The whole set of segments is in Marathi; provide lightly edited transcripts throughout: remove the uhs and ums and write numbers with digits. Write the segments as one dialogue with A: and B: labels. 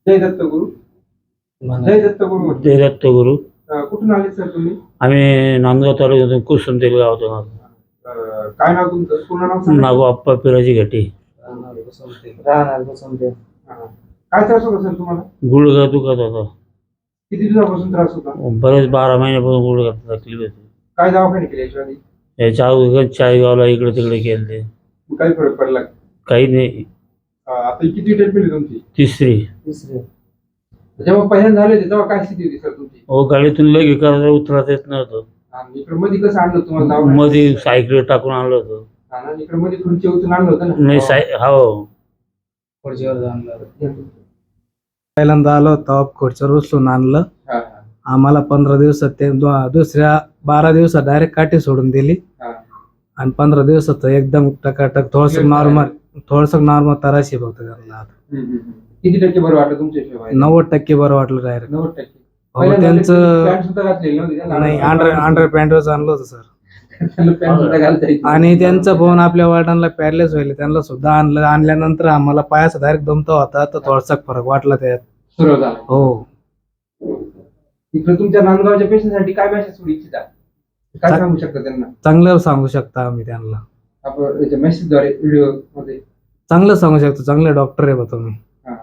A: जय दत्तगुरु. जय दत्तगुरु म्हटलं.
B: जय दत्तगुरु.
A: कुठून आले सर तुम्ही?
B: आम्ही नांदगाव तालुक्यातून कुसुमतेल गावातून आलो.
A: काय नाव तुमचं? पूर्ण नाव सांगा.
B: नागोप्पा पिराजी घाटी.
C: राहणार बसवते.
A: काय त्रास होता सर तुम्हाला?
B: गुडघा दुखत होता.
A: किती दिवसापासून त्रास होता?
B: बरेच 12 महिन्यापासून गुडघा तकलीफ होती.
A: काय दवाखाने केले याच्या आधी?
B: याच्या अगोदर चाळीसगावला इकडे तिकडे गेले.
A: काही फरक पडला?
B: काही नाही.
A: आता किती ट्रीटमेंट तुमची?
B: तिसरी.
A: जेव्हा पहिल्यांदा झाले होते तेव्हा काय स्थिती होती सर तुमची?
B: गाडीतून लगे करायला उतरता येत नव्हतं.
A: आणि इकडे मध्ये कसं आणलं तुम्हाला दवाखान्यात?
B: मध्ये सायकल टाकून आणलं होतं.
A: इकडे मध्ये खुर्ची उचलून आणलं होतं ना?
B: नाही हो.
C: खुर्चीवर आणलं. पहिल्यांदा आलो तेव्हा खुर्चीवर उचलून आणलं. आम्हाला 15 दिवसात ते दुसऱ्या 12 दिवसात डायरेक्ट काठी सोडून दिली. आणि 15 दिवसात एकदम टकाटक थोडस नॉर्मल तराशी फक्त करला.
A: किती टक्के बरं वाटलं तुमच्या हिशोबाने?
C: 90% बरं वाटलं डायरेक्ट.
A: 90%.
C: हो त्यांचं
A: पॅन्ट सुद्धा घातलेली नव्हती त्याला?
C: नाही, अंडर पॅन्टच आणलं होतं सर.
A: पॅन्ट सुद्धा घालता येत नाही.
C: आणि त्यांचा फोन आपल्या वडिलांना पॅरलेस व्हायला त्यांना सुद्धा आणल्यानंतर आम्हाला पायाचा डायरेक्ट दमता होता तर थोडासा फरक वाटला त्यात.
A: सुरू झाला.
C: हो.
A: इकडे तुमच्या नांदगावच्या पेशंटसाठी काय मेसेज सोडू इच्छिता? काय सांगू शकता त्यांना?
C: चांगलं सांगू शकता आम्ही त्यांना.
A: आपण याच्या मेसेजद्वारे व्हिडिओ मध्ये
C: चांगलं सांगू शकतो. चांगले डॉक्टर आहे बा तुम्ही.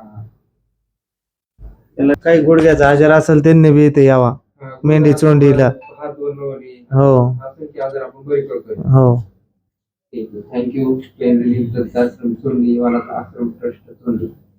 C: त्याला काही गुडघ्याचा आजार असेल त्यांनी बी इथे यावा. मेंढी चोंडीला. हो
A: आपण बरी करतोय.
C: हो.
A: थँक्यू. आश्रम ट्रस्ट